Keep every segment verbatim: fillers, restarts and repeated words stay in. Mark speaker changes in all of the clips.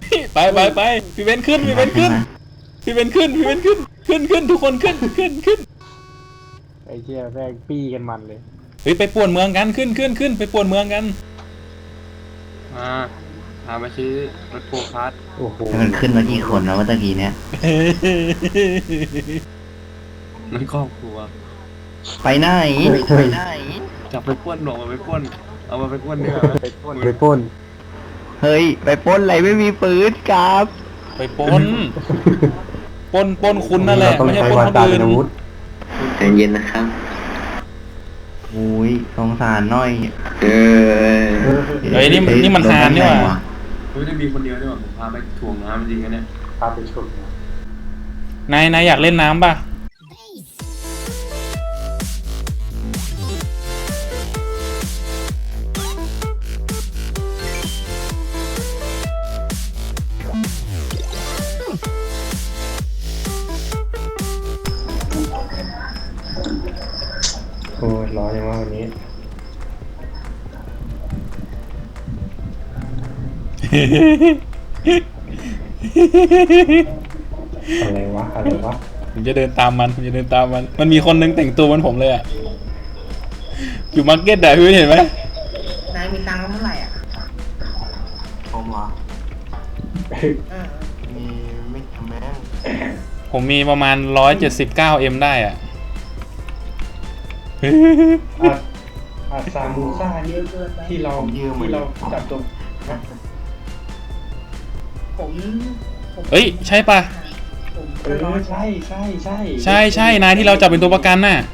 Speaker 1: ไปไปไปพี่เบนขึ้นพี่เบนขึ้นพี่เบนขึ้นพี่เบนขึ้นขึ้นขึ้นทุกคนขึ้นขึ้นขึ้น
Speaker 2: ไอ้เหี้ยแม่งปี้กันมันเลย
Speaker 1: เฮ้ยไปป่วนเมืองกันขึ้นขึ้นขึ้นไปป่วนเมืองกัน
Speaker 3: มาพามาซื้อรถโกคาร์ท
Speaker 2: โอ้โห
Speaker 4: มันขึ้นมากี่คนแล้วว่าตะกี้เนี้ย
Speaker 3: นั่นครอบครัว
Speaker 4: ไปไหนไปไหน
Speaker 3: จับไปป้วนหนอกมาไปป้วนเอามาไปป้วนเนื้อ
Speaker 2: ไปปล้นไปปล้น
Speaker 4: เฮ้ยไปปล้นอะไรไม่มีปืนครับ
Speaker 1: ไปปล้นปล้นปล้นคุณนั่นแหละไม่ใช่ปล้นคนอื่น
Speaker 4: ใจเย็นนะครับอุ้ยสงสารหน่อยเออ
Speaker 1: เฮ้ยนี่นี่มันหานนี่หว่า
Speaker 3: อุ้ยได้มีคนเดียวนี่หว่าผมพาไปถ่วงน้ำจริงกันเนี่ย
Speaker 2: พาไปชม
Speaker 1: นายนายอยากเล่นน้ำป่ะ
Speaker 2: โอ้ยร้อนยังว่าวันนี้อะไรวะอะไรวะ
Speaker 1: ผมจะเดินตามมันผมจะเดินตามมันมันมีคนนึงแต่งตัวเหมือนผมเลยอ่ะอยู่มาร์เก็ตได้พี่เห็นไหม
Speaker 5: นายมีตังค์เท่าไหร่อ่ะ
Speaker 4: ผมเหรอมีไม่ทำแม่ง
Speaker 1: ผมมีประมาณร้อยเจ็ดสิบเก้าเอ็มได้อ่ะ
Speaker 2: อาซามูซ่านี่ที่เราที่เราจับตัว
Speaker 5: ผม
Speaker 1: เฮ้ยใช่ปะ
Speaker 2: เออใช่ใช่ใช่
Speaker 1: ใช่ใช่นายที่เราจับเป็นตัวประกันน่ะ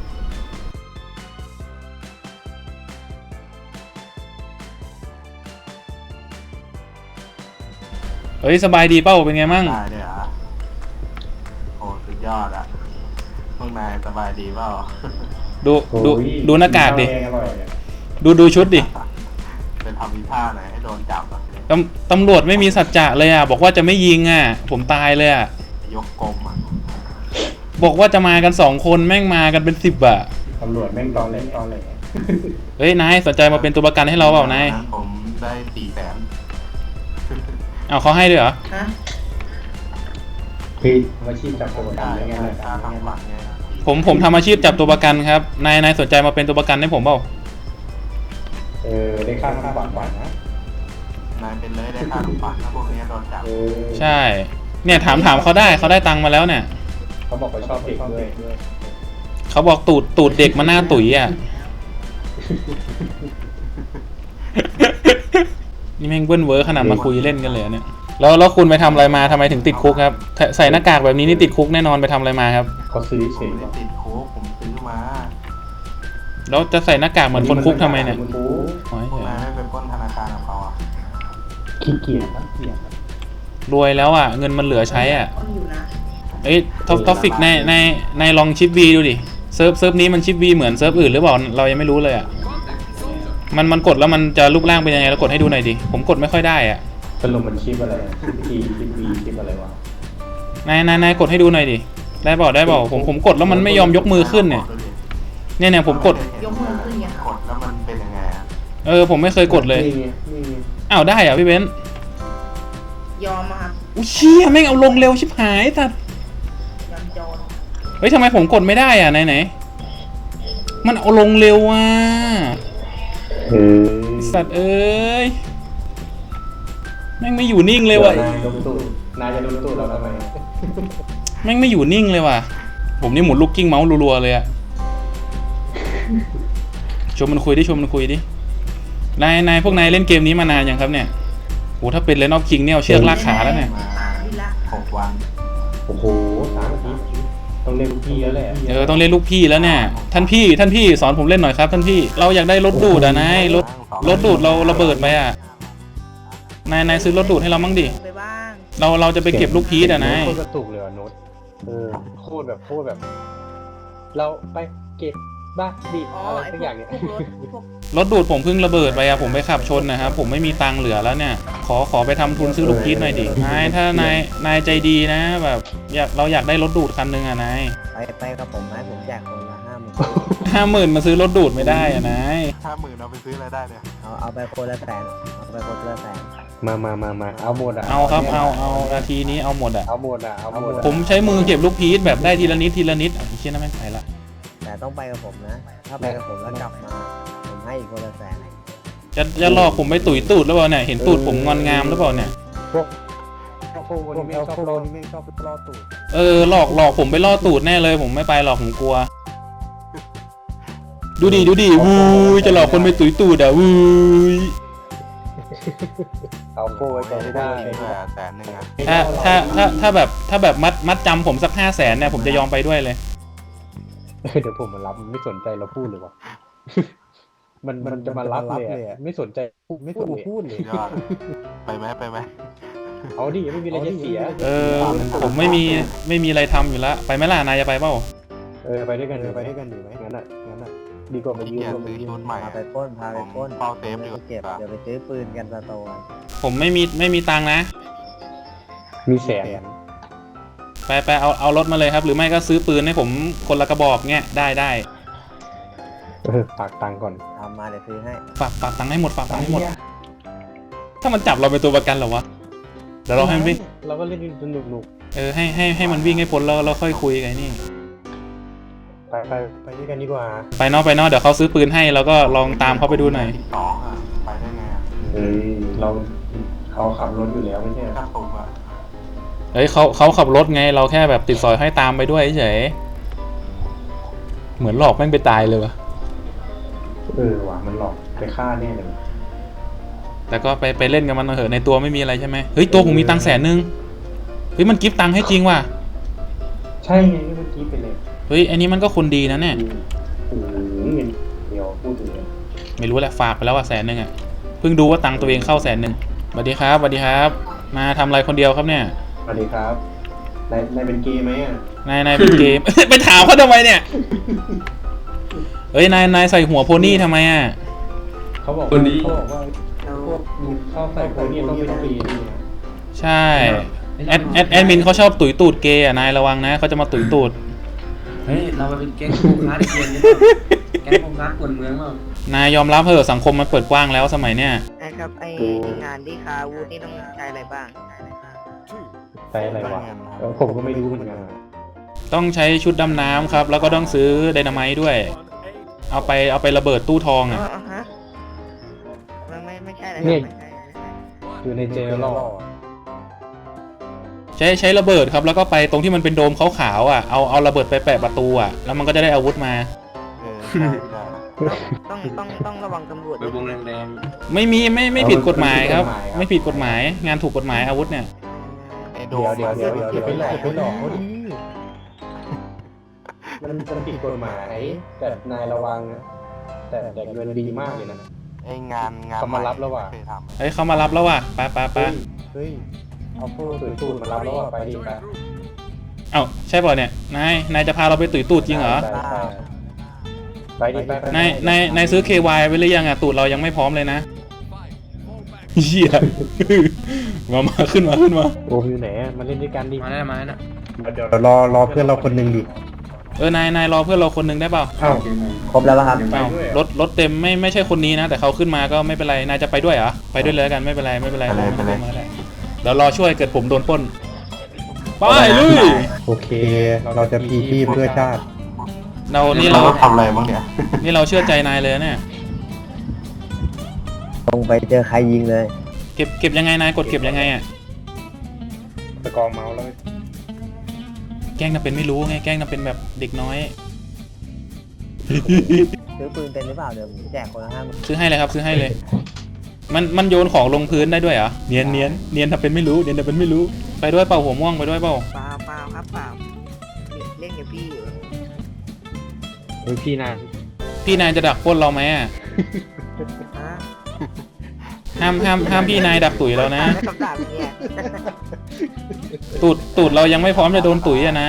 Speaker 1: เฮ้ยสบายดีเป้าเป็นไงมั่ง
Speaker 4: ได้เลยอ่ะโอ้สุดยอดอ่ะพวกนายสบายดีเปล่า
Speaker 1: ดูดูดูหน้ากากดิดูดูชุดดิ
Speaker 4: เป็นทำวิท่าไหนให้โดนจับอ่ะ
Speaker 1: ตำตำรวจไม่มีสัจจะเลยอ่ะบอกว่าจะไม่ยิงอ่ะผมตายเลยอ่ะ
Speaker 4: ยกกลมอ่ะ
Speaker 1: บอกว่าจะมากันสองคนแม่งมากันเป็นสิบอ่ะ
Speaker 2: ตำรวจแม่งตอนเล่นตอนเลย
Speaker 1: เฮ้ยนายสนใจมาเป็นตัวประกันให้เราเปล่านาย
Speaker 4: ผมได้สี่แสน
Speaker 1: เอาเขาให้ด้วยเหรอ
Speaker 5: ฮะ
Speaker 2: พี่อาชีพจับตัวประกันยังไงเลย
Speaker 1: ผมผมทำอาชีพจับตัวประกันครับนายนายสนใจมาเป็นตัวประกันให้ผมเปล่า
Speaker 2: เออได้ค่าทำขวัญก่อนนะ
Speaker 4: นายเป็นเลยได้ค่าทำขวัญถ้าพวกนี้โดนจับ
Speaker 1: ใช่เนี่ยถามถามเขาได้เขาได้ตังค์มาแล้วเนี่ย
Speaker 2: เขาบอกเขาชอบเด็กด้วย
Speaker 1: เขาบอกตูดตูดเด็กมาหน้าตุ๋ยอ่ะนี่แม่งเบิ้ลเวอร์ขนาดมาคุยเล่นกันเลยเนี่ยแล้วแล้วคุณไปทำอะไรมาทำไมถึงติดคุกครับใส่หน้ากากแบบนี้นี่ติดคุกแน่นอนไปทำอะไรมาครับ
Speaker 2: เขาซื้อเฉย
Speaker 4: ติดคุกผมซื้อมา
Speaker 1: แล้วจะใส่หน้ากากเหมือนคนคุกทำไมเนี่ย
Speaker 4: พวกนายไม่ไปปล้นธนาคารของเขาอ่ะ
Speaker 2: ขี้เกียจขี้เกียจ
Speaker 1: รวยแล้วอ่ะเงินมันเหลือใช้อ่ะเอ้ยท็อปท็อปฟิกในในในลองชิปวีดูดิเซิร์ฟเซิร์ฟนี้มันชิปวีเหมือนเซิร์ฟอื่นหรือเปล่าเรายังไม่รู้เลยอ่ะมันมันกดแล้วมันจะรูปร่างเป็นยังไงแล้วกดให้ดูหน่อยดิผมกดไม่ค่อยได้อ่ะ
Speaker 2: สรุปมันชิปอะไรชิปทีชิปวีชิปอะไรวะ
Speaker 1: นายนายนายกดให้ดูหน่อยดิได้เปล่าได้เปล่าผมผมกดแล้วมันไม่ยอมยกมือขึ้นเนี่ยเนี่ยเนี่ยผมกด
Speaker 5: ยกมือขึ้นไง
Speaker 4: กดแล้วมันเป็นยังไงอ่ะ
Speaker 1: เออผมไม่เคยกดเลยอ้าวได้อ่ะพี่เบนซ์
Speaker 5: ยอมมาครับ
Speaker 1: อุ้ยเชี่ยแม่งเอาลงเร็วชิบหายสัตว์
Speaker 5: ยอมจอน
Speaker 1: เฮ้ยทำไมผมกดไม่ได้อ่ะไหนไหนมันเอาลงเร็วอ่ะสัตว์เอ้ยแม่งไม่อยู่นิ่งเลยว่ะ
Speaker 2: นายจะโดนตู้เราทำไม
Speaker 1: แม่งไม่อยู่นิ่งเลยว่ะผมนี่หมุนลูกกิ้งเมาส์รัวๆเลยอ่ะชวนมันคุยดิชวนมันคุยดินายนายพวกนายเล่นเกมนี้มานานยังครับเนี่ยโหถ้าเป็นเลนอฟคิงเนี่ยเชือกลากขาแล้วเนี่ย
Speaker 4: หกวัน
Speaker 2: โอ้โหสามอาทิตย์ต้องเล่นลูกพี่แล้วแหละ
Speaker 1: เออต้องเล่นลูกพี่แล้วเนี่ยท่านพี่ท่านพี่สอนผมเล่นหน่อยครับท่านพี่เราอยากได้รถดูดอ่ะนายรถรถดูดเราระเบิดไปอ่ะนายนายซื้อรถดูดให้เรามั่งดิเราเราจะไปเก็บลูกพีชอ่ะนาย
Speaker 2: โคตรกระตุกเลยอ่ะโน้ตเออโคตรแบบโคตรแบบเราไปเก็บบ้าดิอะไรสักอย่างเนี่ย
Speaker 1: รถดูดผมเพิ่งระเบิดไปอะผมไปขับชนนะครับผมไม่มีตังค์เหลือแล้วเนี่ยขอขอไปทำทุนซื้อลูกพีชหน่อยดินายถ้านายนายใจดีนะแบบอยากเราอยากได้รถดูดคันนึงอะนาย
Speaker 6: ไปไปกับผมไหมผมอยากคนละห้าหมื่น
Speaker 1: ห้าหมื่นมาซื้อรถดูดไม่ได้อะนาย
Speaker 4: ห้าหมื่นเอาไปซื้ออะไรได้เนี่ย
Speaker 6: เอาเอาไปคนละแสนเอาไปคนละแสน
Speaker 2: มามามามาเอาหมดอ่ะ
Speaker 1: เอาครับเอาเอานาทีนี้เอาหมดอ่ะ
Speaker 2: เอาหมดอ่ะเอาหมดอะ
Speaker 1: ผมใช้มือเก็บลูกพีชแบบได้ทีละนิดทีละนิดอ่ะไอ้เชี่ยนั่นแม่งไปละ
Speaker 6: แต่ต้องไปกับผมนะ ถ้าไปกับผมแล้วกลับมา ผมให้อีกคนละแสน
Speaker 1: จะจะหลอกผมไปตุ๋ยตูดหรือเปล่าเนี่ยเห็นตูดผมงอนงามหรือเปล่าเนี่ย
Speaker 2: พวกพวกพวกคนนี้ไม่ชอบรอ
Speaker 6: ไม่ชอบรอตูด
Speaker 1: เออหลอกหลอกผมไปล่อตูดแน่เลย ผมไม่ไปหรอกผมกลัว ดูดิดูดิวูยจะหลอกคนไปตุ๋ยตูดอ่ะวูย
Speaker 2: เอาโค้ไว้ก่อนไม่ได้
Speaker 4: แสนหนึ่งอะ
Speaker 1: ถ้าถ้าถ้าถ้าแบบถ้าแบบมัดมัดจำผมสักห้าแสนเนี่ยผมจะยอมไปด้วยเลย
Speaker 2: เดี๋ยวผมมารับมันไม่สนใจเราพูดเลยวะ มันมันจะมารับเลยอะไม่สนใจไม่สนพูดเลย
Speaker 4: ยอดไปไหมไปไหม
Speaker 2: เอาดิไม่มีอะไรจะเสีย
Speaker 1: เออผมไม่มีไม่มีอะไรทำอยู่แล้วไปไหมล่ะนายจะไปเปล่า
Speaker 2: เออไปด้วยกันไปด้วยกันดีไหมงั้นอ่ะงั้นอ่ะดีกว่ามายื
Speaker 4: เกีย
Speaker 2: ม
Speaker 4: รซื้อชุดใหม่
Speaker 6: พาไปปล้นพาไปปล้น
Speaker 4: เฝ้าเซฟดีก
Speaker 6: เก็บ
Speaker 4: ว่า
Speaker 6: เดี๋ยวไปซื้อปืนกันสโตน
Speaker 1: ผมไม่มีไม่มีตังค์นะ
Speaker 2: มีแสน
Speaker 1: ไปไปเอาเอารถมาเลยครับ หรือไม่ก็ซื้อปืนให้ผมคนละกระบอกเงี้ยได้ได้
Speaker 2: เออฝากตังค์ก่อน
Speaker 6: ทำมาเดี๋ยวซื้อให้
Speaker 1: ฝากฝากตังค์ให้หมดฝากตังค์ให้หมด ถ้ามันจับเราเป็นตัวประกันเหรอวะเดี๋ยวเราให้มันวิ่ง
Speaker 2: เราก็เล่นสนุกนุก
Speaker 1: เออให้ให้ให้มันวิ่งให้พ้นแล้วเราค่อยคุยกันนี่
Speaker 2: ไปไปไปด้วยกันดีกว่า
Speaker 1: ไปเนอกไปเนอกเดี๋ยวเขาซื้อปืนให้แล้วก็ลองตามเขาไปดูหน่อย
Speaker 4: สองอ่ะไปได้ไงอ่ะ
Speaker 2: เฮ้ยเราเขาขับรถอยู่แล้วไม่ใช่
Speaker 4: ถ้าตกอ่ะ
Speaker 1: เฮ้ยเขาเขาขับรถไงเราแค่แบบติดสอยให้ตามไปด้วยเฉยเหมือนหลอกแม่งไปตายเลยวะ
Speaker 2: เออว่ะมันหลอกไปฆ่าแน่เลย
Speaker 1: แต่ก็ไปไปเล่นกับมันเถอะในตัวไม่มีอะไรใช่ไหมเฮ้ยตัวผมมีตังค์แสนนึงเฮ้ยมันกิฟต์ตังค์ให้จริงว่ะ
Speaker 2: ใช่ไงเมื่อกี้ไปเลย
Speaker 1: เฮ้ยอันนี้มันก็คนดีนะเนี่ย
Speaker 2: โอ้โหเงินเดียวพูดถึงเลย
Speaker 1: ไม่รู้แหละฝากไปแล้วว่าแสนนึงอ่ะเพิ่งดูว่าตังค์ตัวเองเข้าแสนนึงสวัสดีครับสวัสดีครับ มาทำอะไรคนเดียวครับเนี่ย
Speaker 2: สวัสดีครับนายนายเป็นเกย์ไหมอ่ะ
Speaker 1: นายนายเป็นเกม ไปถามเขาทำไมเนี่ยเฮ้ยนายนายใส่หัวโพนี่ทำไมอ่ะ
Speaker 2: เขาบอก
Speaker 3: คนนี้
Speaker 2: เขาบอกว่าพวกมึงเข้าใส่คนนี้ต้องเป็นเกย์นี่นะ
Speaker 1: ใช่แอดแอดแอดมินเขาชอบตุ๋ยตูดเกย์อ่ะนายระวังนะเขาจะมาตุ๋ยตูด
Speaker 3: เฮ้ยเรามาเป็นแก๊งโคคาร์ดเกมนี่แก๊งโคคาร์ดกวนเมืองเปล่าน
Speaker 1: ายยอมรับเถอะสังคมมันเปิดกว้างแล้วสมัยเนี้ย
Speaker 7: ไอ้ครับไอ้งานที่คาวูดนี่ต้องใช้อะไรบ้าง
Speaker 2: ใช่อะไรวะเออผมก็ไม่รู้เหมือนกันอะ
Speaker 1: ต้องใช้ชุดดำน้ำครับ แล้วก็ต้องซื้อไดนาไมต์ด้วย เอาไปเอาไประเบิดตู้ทอง
Speaker 7: อ๋อ
Speaker 1: อ่ะ
Speaker 7: อ๋อฮะมันไม่ไม่ใช่อะไรครับไม่ใช่ไม่ใช่
Speaker 2: อยู่ในเจลล่อ
Speaker 1: ใช้ใช้ระเบิดครับแล้วก็ไปตรงที่มันเป็นโดมขาวๆอ่ะเอาเอาระเบิดไปแปะประตูอ่ะแล้วมันก็จะได้อาวุธมา
Speaker 4: เออใช่ใช่
Speaker 7: ต้องต้องต้องระวังตำรวจ
Speaker 3: ไป
Speaker 7: ด้วย
Speaker 3: วงแดง
Speaker 1: ไม่มีไม่ไม่ผิดกฎหมายครับ ไม่ผิดกฎหมายงานถูกกฎหมายอาวุธเนี่ย
Speaker 4: ไอโด
Speaker 2: เดี๋ยว
Speaker 4: ม
Speaker 2: เดี๋ยวเดี๋ยวเดี๋ยวไปหลอกไปหลอกเขาดิมันมันผิดกฎหมายแต่นายระวังนะแต่แต่เงินดีมากเลยนะ
Speaker 4: ไองานงาน
Speaker 2: เขามารับแล้วว่ะ
Speaker 4: เคยทำ
Speaker 1: เฮ้ยเขามารับแล้วว่ะไปไปไป
Speaker 2: เฮ้ยเอาพวกตุ๋ยตูดมารับแล้วอ่ะไปดิไป
Speaker 1: เอ้าใช่ป่ะเนี่ยนายนายจะพาเราไปตุ๋ยตูดจริงเหรอ
Speaker 2: ไปดิไปไป
Speaker 1: นายนายนายซื้อ เค วาย ไว้หรือยังอ่ะตูดเรายังไม่พร้อมเลยนะเหี้ย มามาขึ้นมาขึ้นมา
Speaker 2: โอ้อยู่ไหนอะมาเล่นด้วยกันดิ
Speaker 3: ๆมาแล้วมาแล้ว
Speaker 2: เดี๋ยวรอรอเพื่อนเราคนหนึ่งดิ
Speaker 1: เออนายนายรอเพื่อนเราคนหนึงได้เปล่า
Speaker 2: เอ้า
Speaker 6: ครบแล้วป่ะครับ
Speaker 1: เอ้ารถรถเต็มไม่ไม่ใช่คนนี้นะ แต่เขาขึ้นมาก็ไม่เป็นไรนายจะไปด้วยเหรอไปด้วยเลยแล้วกันไม่เป็นไรไม่เป็นไรไม่เป็นไรไม่เป็นไรเดี๋ยวรอช่วยเกิดผมโดนปล้นไปลุย
Speaker 2: โอเค เราจะพีชีพเพื่อชาติ
Speaker 1: เรานี่
Speaker 4: เรา
Speaker 1: เรา
Speaker 4: ทำอะไรบ้างเนี่ย
Speaker 1: นี่เราเชื่อใจนายเลยนะเนี่ย
Speaker 6: ตรงไปเจอใครยิงเลย
Speaker 1: เก็บเก็บยังไงนายกดเก็บยังไงอ่ะ
Speaker 2: ตะกองเมาส์แล้ว
Speaker 1: แกล้งทำเป็นไม่รู้ไงแกล้งทำเป็นแบบเด็กน้อย
Speaker 6: ซื้อปืนเป็นหรือเปล่าเดี๋ยวผมแจกคนละห้าหมื่น
Speaker 1: ซื้อให้เลยครับซื้อให้เลย มันมันโยนของลงพื้นได้ด้วยเหรอเนียนเนียนเนียนทำเป็นไม่รู้เนียนทำเป็นไม่รู้ไปด้วยเปล่าหัวม่วงไปด้วยเปล่า
Speaker 7: เปล่าเปล่าครับเปล่าเล่นกับพี่อยู่
Speaker 2: เฮ้ยพี่นาย
Speaker 1: พี่นายจะดักปล้นเราไหมอ่ะ
Speaker 7: ฮะ
Speaker 1: ห้ามห้ามห้ามพี่นายดักตุ๋ยเรานะ
Speaker 7: ไม่คำถามเนี่ย
Speaker 1: ตูดตูดเรายังไม่พร้อมจะโดนตุ๋ยอ่ะนาย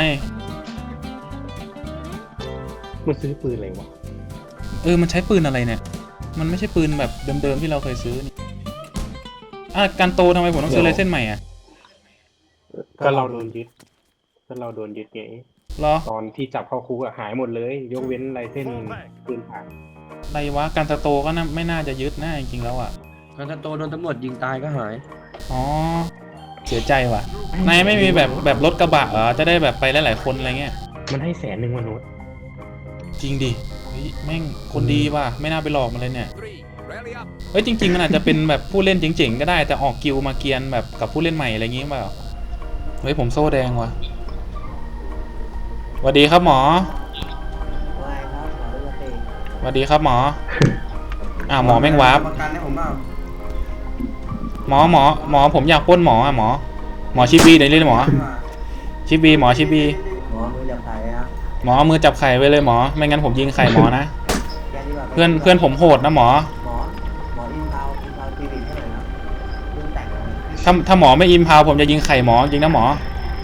Speaker 2: มันซื้อปืนอะไรวะ
Speaker 1: เออมันใช้ปืนอะไรเนี่ย มันไม่ใช่ปืนแบบเดิมๆที่เราเคยซื้อนี่อ่ะการโตทำไมผมต้องซื้อไรเส้นใหม่อ่ะ
Speaker 2: ก็เราโดนยึดก็เราโดนยึดไง
Speaker 1: เหรอ
Speaker 2: ตอนที่จับเข้าคุกอะหายหมดเลย ยกเว้นลายเส้นปืนผ่าน
Speaker 1: อะไรวะการสโตก็น่าไม่น่าจะยึดนะจริงๆแล้วอ่ะ
Speaker 3: แล้วถ้าโตโดนตำรวจยิงตายก็หาย
Speaker 1: อ๋อเสียใจว่ะนายไม่มีแบบแบบรถกระบะเหรอจะได้แบบไปหลายๆคนอะไรเงี้ย
Speaker 2: มันให้แสนหนึ่งวันโน้ต
Speaker 1: จริงดิเฮ้ยแม่งคนดีว่ะไม่น่าไปหลอกมันเลยเนี่ยเฮ้ยจริงๆมันอาจจะเป็นแบบผู้เล่นเจ๋งๆก็ได้แต่ออกกิลมาเกียนแบบกับผู้เล่นใหม่อะไรอย่างงี้เปล่าเฮ้ยผมโซ่แดงว่ะสวัสดีครับหมอ
Speaker 6: ว่าไงครับหมอดูสิ
Speaker 1: สวัสดีครับหมออ่าหมอแม่งวาร์ป
Speaker 3: ประกันให้ผมเปล่า
Speaker 1: หมอหมอหมอผมอยากปล้นหมออ่ะหมอหมอชิปบีเดี๋ยวเรียกหมอชิปบีหมอชิปบี
Speaker 6: หมอมือจับไข่ครับ
Speaker 1: หมอเอามือจับไข่ไว้เลยหมอไม่งั้นผมยิงไข่หมอนะ
Speaker 6: แกดีกว่า
Speaker 1: เพื่อนเพื่อนผมโหดนะหมอ
Speaker 6: หมอหมออินเทาอินเทาคลินิกให้หน่อยครับเพิ่งแต่งมา
Speaker 1: ถ้าถ้าหมอไม่อิมพาวผมจะยิงไข่หมอจริงนะหมอ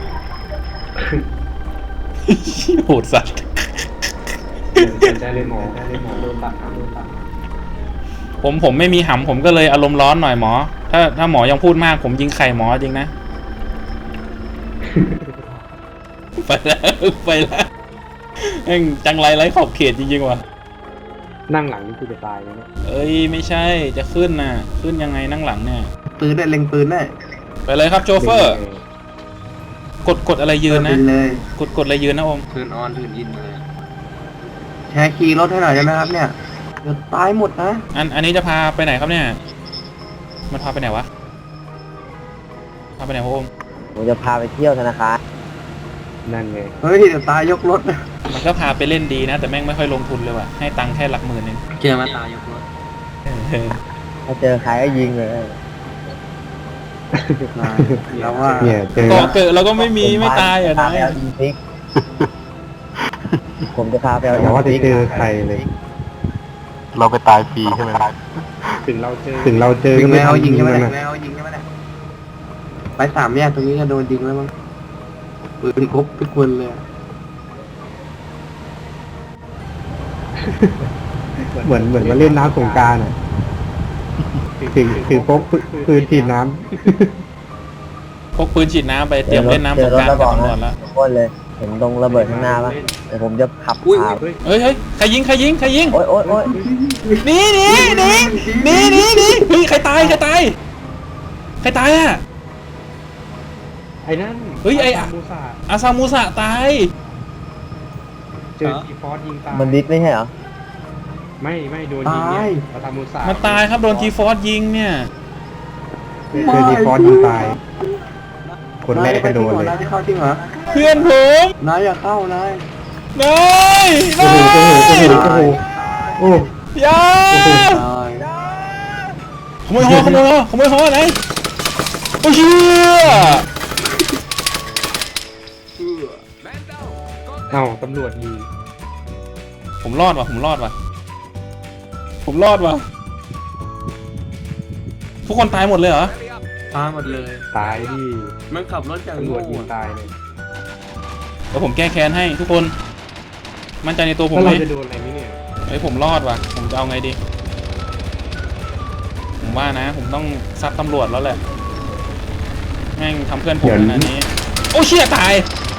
Speaker 1: โหดสัตว์
Speaker 2: สนใจเลยหมอสนใจเลยหมอโดนตัดโดนตัด
Speaker 1: ผมผมไม่มีหำผมก็เลยอารมณ์ร้อนหน่อยหมอ ถ้าถ้าหมอยังพูดมากผมยิงไข่หมอจริงนะ ไปแล้วไปแล้วแม่งจังไรไรขอบเขตจริงๆว่ะ
Speaker 2: นั่งหลังนี่คือจะตายเลยเนี่ย
Speaker 1: เอ้ยไม่ใช่จะขึ้นน่ะขึ้นยังไงนั่งหลังเนี่ย
Speaker 4: ปืนได้เล็งปืนได้
Speaker 1: ไปเลยครับโชเฟอร์ กดกดอะไรยืน
Speaker 4: ปื
Speaker 1: นะ
Speaker 4: นเลย
Speaker 1: กดกดอะไรยืนนะอม
Speaker 3: ทืนออนทืนอินเลย
Speaker 4: แชร์คีย์รถให้หน่อยได้ไหมครับเนี่ยเดี๋ยวตายหมดนะ
Speaker 1: อันอันนี้จะพาไปไหนครับเนี่ยมันพาไปไหนวะพาไปไหนพ่ออม
Speaker 6: ผมจะพาไปเที่ยวธนาคาร
Speaker 2: นั่นไง
Speaker 4: เฮ้ยเดี๋ยวตายยกรถนะ
Speaker 1: มันก็พาไปเล่นดีนะ แต่แม่งไม่ค่อยลงทุนเลยว่ะให้ตังค์แค่หลักหมื่นเอง
Speaker 3: เจอมาตายยกรถ
Speaker 1: เออ
Speaker 6: ถ้าเจอใครก็ยิงเลย
Speaker 4: แล้วว่า
Speaker 2: เนี่ยเจอ
Speaker 1: เกาะเกิดเราก็ไม่มีไม่ตายอ่ะ
Speaker 6: พา
Speaker 1: นะ
Speaker 6: ไปเอาอินฟิกผมจะพาไปเอาอิ
Speaker 2: แต่
Speaker 6: น
Speaker 2: ว่าจะ
Speaker 6: ฟิก
Speaker 2: เจอใครเลย
Speaker 8: เราไปตายฟรีใช่ไหม
Speaker 2: ถึงเราเจอถึงเราเจอ
Speaker 4: ยิ
Speaker 2: ก็
Speaker 4: ง
Speaker 2: ไม่
Speaker 4: แล้ว
Speaker 2: ทำ
Speaker 4: ยิงใช่ไหม
Speaker 2: มัน
Speaker 4: เนี่ย
Speaker 2: นะ
Speaker 4: แล้วยิงใช่ไหมเนี่ยไปสามแยกตรงนี้ก็โดนยิงแล้วมั้งปืนครบทุกคนเลยอะ
Speaker 2: เหมือนเหมือนมาเล่นน้ำสงกรารอ่ะถือถือพกปืนฉีดน้
Speaker 1: พกปืนฉีดน้ำไปเตรียมเล่นน้ำสงกรานต์กับตำรวจแล้ว
Speaker 6: โคตรเลยเห็นตรงระเบิดข้างหน้าปะเดี๋ยวผมจะขับพา
Speaker 1: เฮ้ยเฮ้ยใครยิงใครยิงใครยิง
Speaker 6: โอ๊ยโอ๊ยโอ๊ย
Speaker 1: หนีหนีหนีหนีหนีหนีเฮ้ยใครตายใครตายใครตายอ่ะ
Speaker 2: ำไอ้นั่น
Speaker 1: เฮ้ยไอ้
Speaker 2: ซามูซา
Speaker 1: อาซามูสะตาย
Speaker 2: เจอทีฟอสยิงตาย
Speaker 6: มันดิสไม่ใช่เหรอ
Speaker 2: ไม่ไม่โดนยิงเนี่ยซามูซา
Speaker 1: มันตายครับโดนทีฟอสยิงเนี่ย
Speaker 2: เจอทีฟอสยิงตาย คนแรกก็โดนเลย
Speaker 4: นายจะเข้าจริงเหรอ
Speaker 1: เพื่อนผม
Speaker 4: นายอย่าเข้านาย
Speaker 1: นาย
Speaker 2: โอ้
Speaker 1: นา
Speaker 2: โหโอ้โห
Speaker 1: ย
Speaker 2: โอ้โหโอ้โห
Speaker 1: อย่า
Speaker 4: ตาย
Speaker 1: ขโมยหอขโมยหอขโมยหอไหนโอ้เชี่ย
Speaker 2: เอ้าตำรวจยิง
Speaker 1: ผมรอดว่ะผมรอดว่ะผมรอดว่ะทุกคนตายหมดเลยเหรอ
Speaker 3: ตายหมดเลย
Speaker 2: ตายดิ
Speaker 3: มันขับรถอย่าง
Speaker 2: ตำร
Speaker 3: โง่
Speaker 2: วจยิง
Speaker 3: อะ
Speaker 2: ตายเลย
Speaker 1: เดี๋ยวผมแก้แค้นให้ทุกคน มั่นใจในตัวผม
Speaker 2: แล้ว
Speaker 1: ไหม
Speaker 2: เราจะโดนอะไรไหมเนี่ย
Speaker 1: เฮ้ยผมรอดว่ะ ผมจะเอาไงดี ผมว่านะ ผมต้องซัดตำรวจแล้วแหละ แม่งทำเพื่อนผมขนาดนี้ โอ้เชี่ยตาย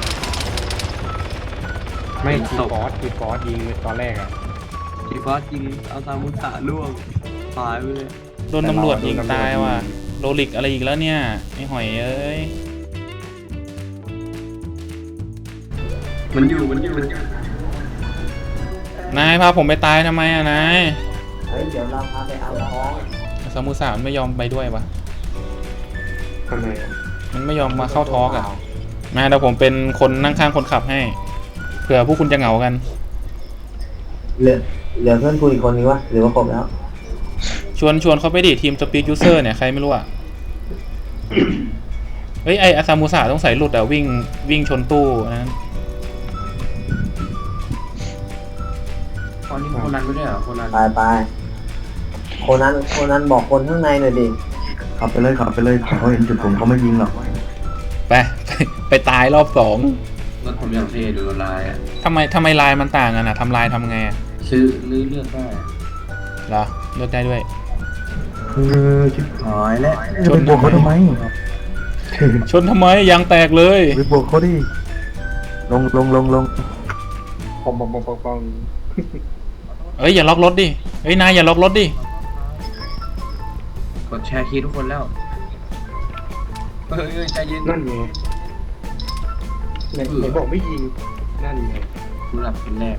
Speaker 2: ไม่ทีฟอสทีฟอสยิงตอนแรกอ่ะ
Speaker 3: ทีฟอสยิงเอาซามุสะล่วงตายไปเลย
Speaker 1: โดนตำรวจยิงตายว่ะ โรลิกอะไรอีกแล้วเนี่ย ไอ้หอยเอ้ย
Speaker 3: มันอยู่มันอยู่
Speaker 1: นายพาผมไปตายทำไมอะนาย
Speaker 6: เฮ้ยเดี๋ยวเราพาไปเอาท้อง
Speaker 1: ซามูสะมันไม่ยอมไปด้วยวะ
Speaker 2: ทำไมอะ
Speaker 1: มันไม่ยอมมาเข้าทอล์กอะมาเดี๋ยวผมเป็นคนนั่งข้างคนขับให้ เผื่อพวกคุณจะเหงากัน
Speaker 6: เหลือเหลือเพื่อนคุยอีกคนนึงวะหรือว่าครบแล้ว
Speaker 1: ชวนชวนเขาไปดิทีมสปีดยูเซอร์เนี่ยใครไม่รู้อ่ะ เฮ้ยไออาซามูสะต้องใส่หลุดอ่ะวิ่งวิ่งชนตู้นั้น
Speaker 3: ตอนนี้โคนันไม่ได้เหรอโคนัน
Speaker 6: ไปไปคนนั้นคนนั้นบอกคนข้างในหน่อยดิ
Speaker 4: ขับไปเลยขับไปเลยเขาเห็นจุดผมเขาไม่ยิงหรอก
Speaker 1: ไป ไปไปตายรอบสอง
Speaker 3: รถผมอย่างเท่ดูลายอ่ะ
Speaker 1: ทำไมทำไมลายมันต่างกันอ่ะทำลายทำไงอะ
Speaker 3: ซื้อลื้อเลือกได้
Speaker 1: เหรอเลือกได้ด้วย
Speaker 4: เออชิบหายแล้ว
Speaker 1: ชน
Speaker 4: ไปบวกเขาทำไม
Speaker 1: ชนทำไมยางแตกเลย
Speaker 4: ไปบวกเขาดิลงลงลงลง
Speaker 2: ปองปองปองปองปอง
Speaker 1: เอ้ยอย่าล็อกรถดิเอ้ยนายอย่าล็อกรถดิ
Speaker 3: เขาดแชร์คีย์ทุกคนแล้วเฮ้ยเฮ้ยใจเย็น
Speaker 2: นั่นไงไหนไหนบอกไม่ยิงนั่นไง
Speaker 3: กูหลับเป็นแรก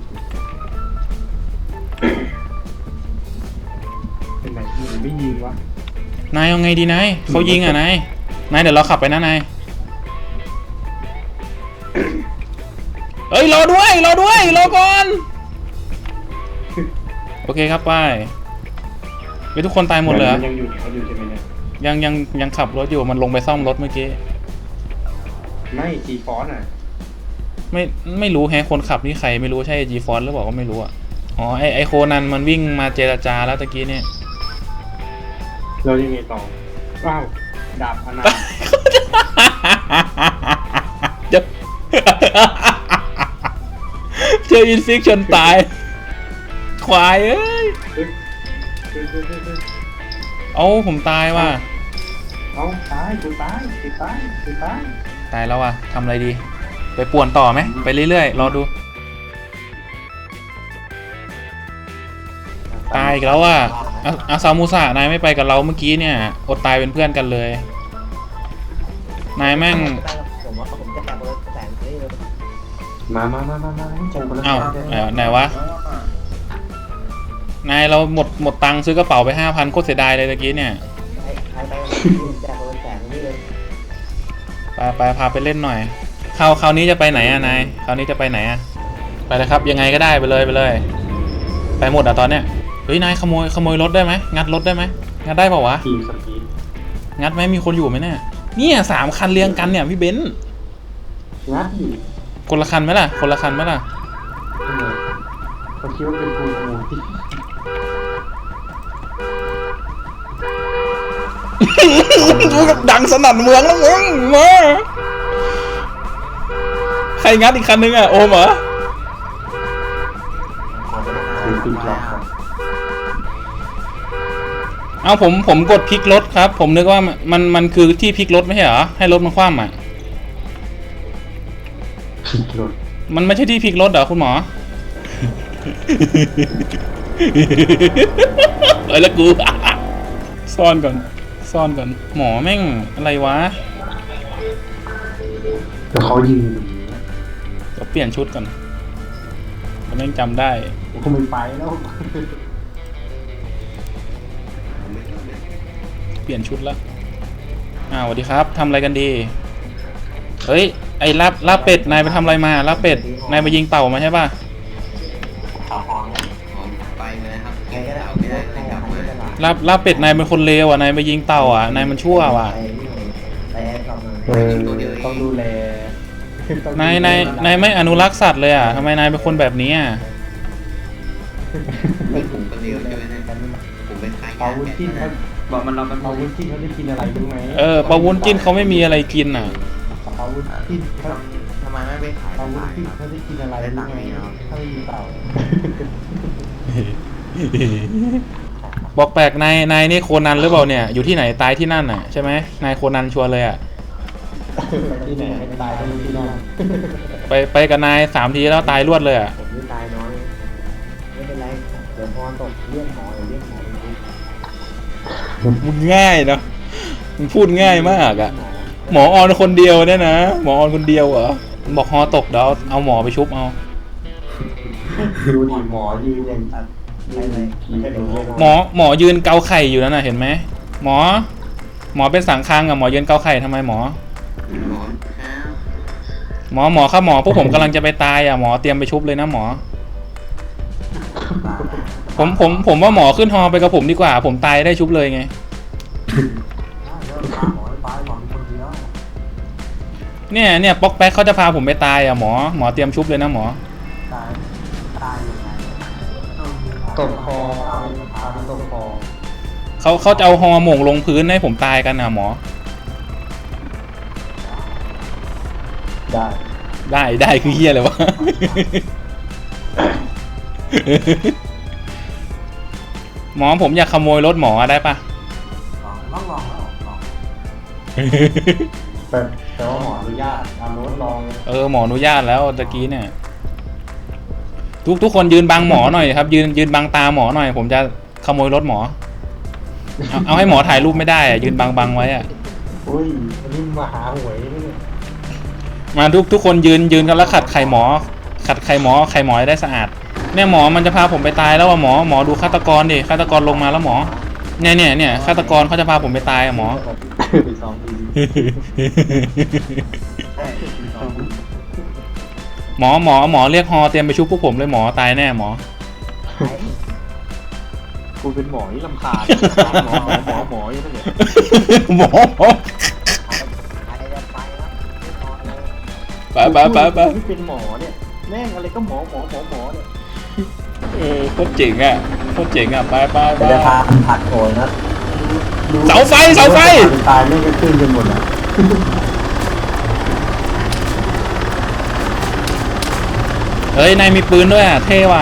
Speaker 2: เป็นไหนยิงหรือไม่ยิงวะ
Speaker 1: นายเอาไงดีนายเขายิงอ่ะนายนายเดี๋ยวเราขับไปนะนายเอ้ยรอด้วยรอด้วยรอก่อนโอเคครับไปไปทุกคนตายหมดเลยเหรอ
Speaker 2: ยังอยู่เขาอยู่ใช่ไหมเนี่ย
Speaker 1: ยังยังยังขับรถอยู่มันลงไปซ่อมรถเมื่อกี้
Speaker 2: ไม่จีฟอนอ่ะ
Speaker 1: ไม่ไม่รู้แฮะคนขับนี่ใครไม่รู้ใช่จีฟอนหรือเปล่าก็ไม่รู้อ่ะอ๋อไอไอโคนันมันวิ่งมาเจรจาแล้วตะกี้เนี่ย
Speaker 2: เรายังไงต่อว้าวดาบพนัน
Speaker 1: เจอเจออินฟิกชนตายควายเอ้ย
Speaker 2: เฮ้ยเฮ้ยเฮ้ยเฮ้ยเฮ้ย
Speaker 1: เอาผมตายว่ะ
Speaker 2: เอาตายกูตายกูตายกูตาย
Speaker 1: ตายแล้วว่ะทำอะไรดี ไปป่วนต่อไหมไปเรื่อยๆรอดูตายอีกแล้วว่ะอาอาซามูสะนายไม่ไปกับเราเมื่อกี้เนี่ยอดตายเป็นเพื่อนกันเลยนายแม่ง
Speaker 6: ได้ครับผมว่าผมจะแตกคนละแสนนี่เลย
Speaker 2: มามามามามาให้ใจคนละ
Speaker 1: อ้าว
Speaker 2: แสน
Speaker 1: เอ่อไหนวะนายเราหมดหมดตังค์ซื้อกระเป๋าไปห้าพันโคตรเสียดายเลยตะกี้เนี่ย
Speaker 6: ใครใครไปผมแตกคนละแสนนี่เลย
Speaker 1: ไปไปพาไปเล่นหน่อยคราวคราวนี้จะไปไหนอะนายคราวนี้จะไปไหนอะไปเลยครับยังไงก็ได้ไปเลยไปเลย ไปหมดอะตอนเนี้ยเฮ้ยนายขโมยขโมยรถได้ไหมงัดรถได้ไหมงัดได้เปล่าวะ
Speaker 2: ทีมสปีด
Speaker 1: งัดไหมมีคนอยู่ไหมเนี่ยเนี่ยสามคันเรียงกันเนี่ยพี่เบนซ์
Speaker 2: งัดอยู่
Speaker 1: คนละคันไหมล่ะคนละคันไหมล่ะ
Speaker 2: ทำไมเขาคิดว่าเป็นกูขโมยที่
Speaker 1: ดังสนั่นเมืองแล้วมึงมาใครงัดอีกคันนึงอะโอมเหรอ
Speaker 2: เป็นตีกลอง
Speaker 1: เอาผมผมกดพลิกรถครับ ผมนึกว่ามันมันคือที่พลิกรถไม่ใช่เหรอให้รถมันคว่ำอะ
Speaker 2: ผิดรถ
Speaker 1: มันไม่ใช่ที่พลิกรถเหรอคุณหมอ เอ้ยแล้วกู ซ่อนก่อนซ่อนก่อนหมอแม่งอะไรวะ
Speaker 2: แต่เขายิง
Speaker 1: เดี๋ยวเปลี่ยนชุดก่อนผมยังจำได้
Speaker 2: เขาไม่ไปแล้ว
Speaker 1: เปลี่ยนชุดแล้วอ้าวสวัสดีครับทำอะไรกันดีเฮ้ยไอ้ลาบลาบเป็ดนายไปทำอะไรมาลาบเป็ดนายไปยิงเต่ามาใช่ป่ะ
Speaker 4: ไปเลยครับ
Speaker 6: ใครก็ได้
Speaker 4: เอาไม่ได้
Speaker 6: ใคร
Speaker 4: เลยกลับ
Speaker 6: ทำ
Speaker 4: มา
Speaker 6: ไม่ได้
Speaker 1: ลาบลาบเป็ดนายเป็นคนเลวอ่ะนายไปยิงเต่าอ่ะนายมันชั่วว่ะ
Speaker 6: ไปนี่ไปแอร์กลับมา
Speaker 2: เออต้องดูแล
Speaker 1: นายนายนายไม่อนุรักษ์สัตว์เลยอ่ะทำไมนายเป็นคนแบบนี้อ่ะ
Speaker 4: ไม่ผมคนเดียวใช่ไหมเนี่ยผมเป็นใคร
Speaker 2: เปาวุ้นจิ้นเขา
Speaker 3: บอกมันเราเป็น
Speaker 2: เปาวุ้นจิ้นเขาได้กินอะไรรู้ไหม
Speaker 1: เออปลาวุ้นจิ้นเขาไม่มีอะไรกินอ่ะ
Speaker 2: เปาวุ้นจิ้นเขา
Speaker 4: ทำไมไม่ไปขาย
Speaker 2: เปาวุ้นจิ้นเขาได้กินอะไรรู้ไหมถ้าไม่มีเต่า
Speaker 1: บอกแปลกนายนายนี่โคนันหรือเปล่าเนี่ยอยู่ที่ไหนตายที่นั่นอ่ะใช่ไหมนายโคนันชัวร์เลยอ่ะ
Speaker 2: ที่ไหนให้ตายก็รู้ที่นั่น
Speaker 1: ไปไปกับนายสามทีแล้วตายรวดเลยอ่ะ
Speaker 6: ผมนี่ตายน้อยไม่เป็นไรเดี๋ยวพรตกเรื่องหมอเดี๋ยวเรื่องหมอเป็นทุก
Speaker 1: มึงง่ายเนาะมึงพูดง่ายมากอ่ะ
Speaker 6: หมอ
Speaker 1: หมอออนคนเดียวเนี่ยนะหมอออนคนเดียวเหรอบอกฮอตกเดี๋ยวเอาเอาหมอไปชุบเอา
Speaker 2: ดูดิหมอยืนอย่าง
Speaker 6: ไปเลยไม่ใช่เดี๋ยว
Speaker 1: หมอหมอยืนเกาไข่อยู่นั่นน่ะเห็นไหมหมอ หมอเป็นสังคังอ่ะหมอยืนเกาไข่ทำไมหมอ หมอหมอครับหมอพวกผมกำลังจะไปตายอ่ะหมอเตรียมไปชุบเลยนะหมอ ผมผมผมว่าหมอขึ้นฮอไปกับผมดีกว่า ผมตายได้ชุบเลยไง เนี่ยเนี่ยป๊อกแป๊กเขาจะพาผมไปตายอ่ะหมอหมอเตรียมชุบเลยนะหมอ
Speaker 2: ตกคอพาไปตกคอ
Speaker 1: เขาเขาจะเอาฮอหม่งลงพื้นให้ผมตายกันอ่ะหมอ
Speaker 2: ได้
Speaker 1: ได้ได้คือเฮียเลยวะ หมอผมอยากขโมยรถหมอได้ปะ
Speaker 2: แต่แต่ว่าหมออนุญาตเอารถลอง
Speaker 1: เออหมออนุญาตแล้วตะกี้เนี่ย ทุกทุกคนยืนบังหมอหน่อยครับ ยืนยืนบังตาหมอหน่อย ผมจะขโมยรถหมอเอาเอาให้หมอถ่ายรูปไม่ได้อะยืนบังบังไว้อะ
Speaker 2: อุ้ยอันนี้มาหาหวยนี่เนี่ย
Speaker 1: มาทุกทุกคนยืนยืนกันแล้วขัดไข่หมอ ขัดไข่หมอไข่หมอให้ได้สะอาดเนี่ยหมอมันจะพาผมไปตายแล้วอะหมอหมอดูฆาตกรดิฆาตกรลงมาแล้วหมอเนี่ยเนี่ยเนี่ยฆาตกรเขาจะพาผมไปตายอะหมอ
Speaker 2: ไปซ้อมดี
Speaker 1: หมอหมอหมอเรียกฮอเตรียมไปชุบพวกผมเลยหมอตายแน่หมอ
Speaker 2: กูเป็นหมอที่ลำคาญหมอหมอหมออยู่นั่นแหละ
Speaker 1: หมอหมอ
Speaker 6: ใครจะไปครับนอนเลย
Speaker 1: ไปไปไปไป
Speaker 2: กูเป็นหมอเนี่ยแม่งอะไรก็หมอหมอหมอหมอเนี่ย
Speaker 1: เออโคตรเจ๋งอ่ะโคตรเจ๋งอ่ะไปไปไป
Speaker 6: จะพาผัดโอนนะ
Speaker 1: เสาไฟเสาไฟ
Speaker 6: ตายไม่ได้ขึ้นจนหมดอ่ะ
Speaker 1: เฮ้ยนายมีปืนด้วยอ่ะเท่ว่ะ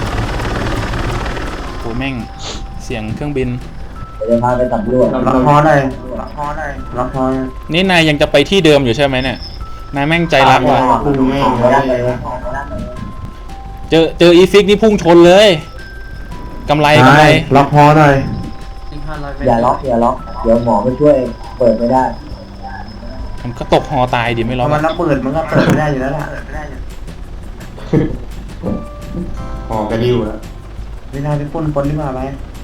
Speaker 1: โหแม่งเสียงเครื่องบิน
Speaker 6: จะพาไปตับรวจล็อกคอได้ล็อกคอได้ล็อกคอ
Speaker 1: นี่นายยังจะไปที่เดิมอยู่ใช่ไหมเนี่ยนายแม่งใจรักว่ะ
Speaker 6: พุ่งแม่งไม่ได้เลย
Speaker 1: เจอเจออีฟิกนี่พุ่งชนเลยกำไรกำไร
Speaker 6: ล็อกคอหน่อย
Speaker 3: ที่ห้าร้อยเมตร
Speaker 6: อย่าล็อกอย่าล็อกเดี๋ยวหมอไปช่วยเปิดไม่ได้
Speaker 1: มันก็ตกฮอตายดิไม่รอด
Speaker 6: มันระเบิดมันก็เปิดไม่ได้อยู่แล้วล่ะ
Speaker 2: หอกระดิ่วแล้ว
Speaker 6: ไม่ได้ไปปล้นคนดีกว่าไป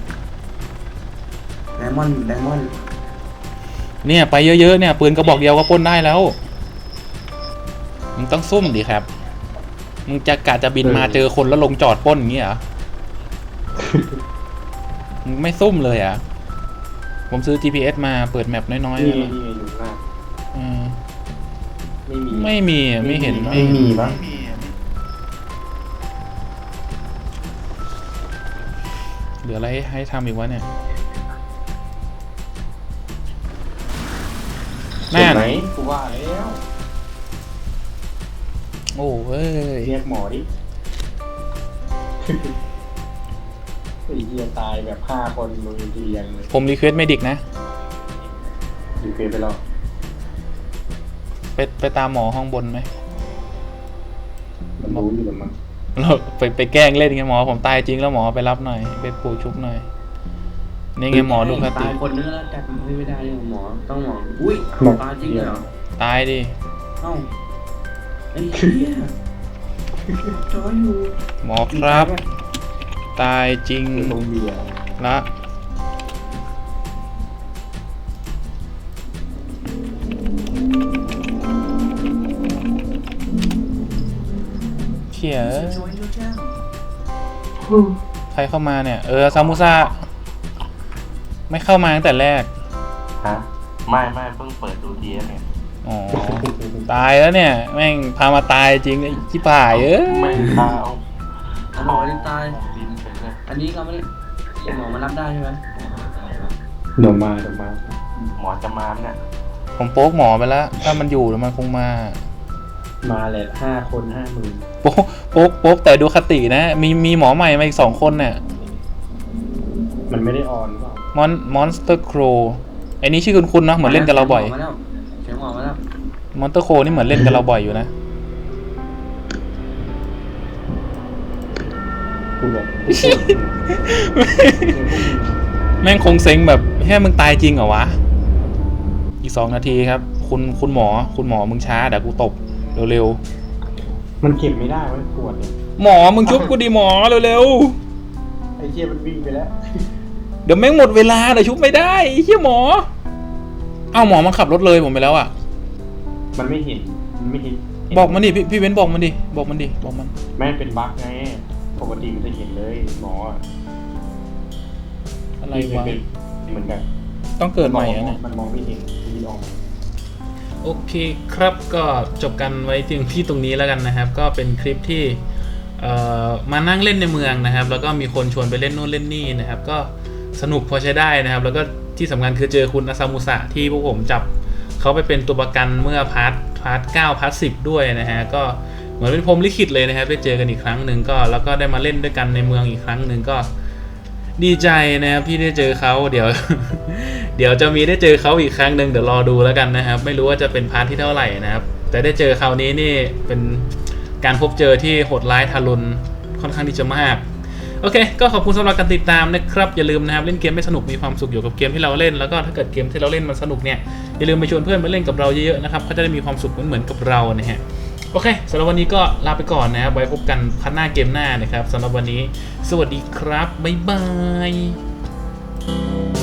Speaker 6: ไดมอนด์ไดมอนด์
Speaker 1: เนี่ยไปเยอะๆเนี่ยปืนกระบอกเดียวก็ปล้นได้แล้วมึงต้องซุ่มดิครับมึงจะกะจะบินมาเจอคนแล้วลงจอดปล้นอย่างงี้เหรอมึงไม่ซุ่มเลยอ่ะผมซื้อ จี พี เอส มาเปิดแมปน้อยๆ
Speaker 2: นี่
Speaker 1: แล้ว
Speaker 2: นี่อยู่หน้า
Speaker 1: อืม
Speaker 2: ไม่มี
Speaker 1: ไม่มีไม่เห็น
Speaker 6: ไม่มีปะ
Speaker 1: เหลืออะไรให้ทำอีกวะเนี่ยนั่น
Speaker 2: ไหนกูว่าแล้ว
Speaker 1: โอ้เว้ย
Speaker 2: เรียกหมอดิไอ้เหี้ยตายแบบห้าคนมือเรียงเลย
Speaker 1: ผมรีเควสเมดิกนะ
Speaker 2: อยู่เฟซไปแล้ว
Speaker 1: ไปไปตามหมอห้องบนไหม
Speaker 2: มันรู้อยู่แล้วมั้ง
Speaker 1: เราไปไปแกล้งเล่นไงหมอผมตายจริงแล้วหมอไปรับหน่อยไปปลูกชุบหน่อยนี่ไงหมอดูคติ
Speaker 3: ตายคนนึงแล้วจัดไม่ได้เลยหมอต้องหมออุ้ยตายจริงเหรอ
Speaker 1: ตายดิ
Speaker 3: เอ้าไอ้เหี้ยจอยอยู่
Speaker 1: หมอครับ ตายจริง
Speaker 2: ตรงเบียร์
Speaker 1: ละเขี่ยใครเข้ามาเนี่ยเออซามูซาไม่เข้ามาตั้งแต่แรก
Speaker 8: ฮะไม่ไม่เพิ่งเปิดดูทีเอสเนี่ย
Speaker 1: อ๋อ ตายแล้วเนี่ย แม่งพามาตายจริงไอ้ชิบหายเอ้ย
Speaker 8: ไม่เท้า
Speaker 3: หมอที่ตาย
Speaker 8: บินไปเลย
Speaker 3: อันนี้เราไม่ได้หมอมารับได้ใช่ไหม
Speaker 2: เดี๋ยวมาเดี๋ยวมา
Speaker 8: หมอจะมาเนี่ย
Speaker 1: ผมโป๊กหมอไปแล้ว ถ้ามันอยู่แล้วมันคงมา
Speaker 2: มาเลยห้าคนห้าหมื่น
Speaker 1: โป๊กโป๊กโป๊กแต่ดูคตินะ มีมีหมอใหม่มาอีกสองคนเนี่ย
Speaker 2: มันไม่ได้ออนเปล่าม
Speaker 1: อนมอนสเตอร์โครไอ้นี้ชื่อคุณคุณเนาะเหมือนเล่นกับเราบ่อย
Speaker 3: มาแล้วเสียงหมอมาแล้ว
Speaker 1: มอนสเตอร์โครนี่เหมือนเล่นกับเราบ่อยอยู่นะ
Speaker 2: กูบอก
Speaker 1: แม่งคงเซ็งแบบแค่มึงตายจริงเหรอวะ อีกสองนาทีครับ คุณคุณหมอ คุณหมอมึงช้าเดี๋ยวกูตบเร็ว
Speaker 2: มันเก็บไม่ได้มันปวดเนี่ย
Speaker 1: ๆหมอมึงชุบกูดิหมอเร็ว
Speaker 2: ไอ้เหี้ยมันวิ่งไปแล้ว
Speaker 1: ๆเดี๋ยวแม่งหมดเวลาเดี๋ยวชุบไม่ได้ไอ้เหี้ยหมอเอ้าหมอมันขับรถเลยผมไปแล้วอ่ะ
Speaker 2: มันไม่เห็นมันไม่เห็น
Speaker 1: บอกมันดิพี่พี่เว้นบอกมันดิบอกมันดิบอกมัน
Speaker 2: แม่งเป็นบั๊กไงปกติมันจะเห็นเลยหมออะ
Speaker 1: อะไรวะ
Speaker 2: เป็นเหมือนกัน
Speaker 1: ต้องเกิดใหม่อะเนี่ย
Speaker 2: มันมองไม่เห็นที่ออกมา
Speaker 1: โอเคครับก็จบกันไว้ถึงที่ตรงนี้แล้วกันนะครับ ก็เป็นคลิปที่เอ่อมานั่งเล่นในเมืองนะครับ แล้วก็มีคนชวนไปเล่นโน่นเล่นนี่นะครับ ก็สนุกพอใช้ได้นะครับ แล้วก็ที่สำคัญคือเจอคุณอาซามุสะที่พวกผมจับเขาไปเป็นตัวประกันเมื่อพาร์ทพาร์ทเก้าพาร์ทสิบด้วยนะฮะก็เหมือนเป็นพรหมลิขิตเลยนะครับได้เจอกันอีกครั้งหนึ่งก็แล้วก็ได้มาเล่นด้วยกันในเมืองอีกครั้งหนึ่งก็ดีใจนะครับที่ได้เจอเขาเดี๋ยว เดี๋ยวจะมีได้เจอเขาอีกครั้งหนึ่งเดี๋ยวรอดูแล้วกันนะครับไม่รู้ว่าจะเป็นพาร์ทที่เท่าไหร่นะครับแต่ได้เจอคราวนี้นี่เป็นการพบเจอที่โหดร้ายทารุณค่อนข้างที่จะมากโอเคก็ขอบคุณสำหรับการติดตามนะครับอย่าลืมนะครับเล่นเกมไม่สนุกมีความสุขอยู่กับเกมที่เราเล่นแล้วก็ถ้าเกิดเกมที่เราเล่นมันสนุกเนี่ยอย่าลืมไปชวนเพื่อนมาเล่นกับเราเยอะๆนะครับเขาจะได้มีความสุขเหมือนๆกับเรานะฮะโอเคสำหรับวันนี้ก็ลาไปก่อนนะครับไว้พบกันพันหน้าเกมหน้านะครับสำหรับวันนี้สวัสดีครับบ๊ายบาย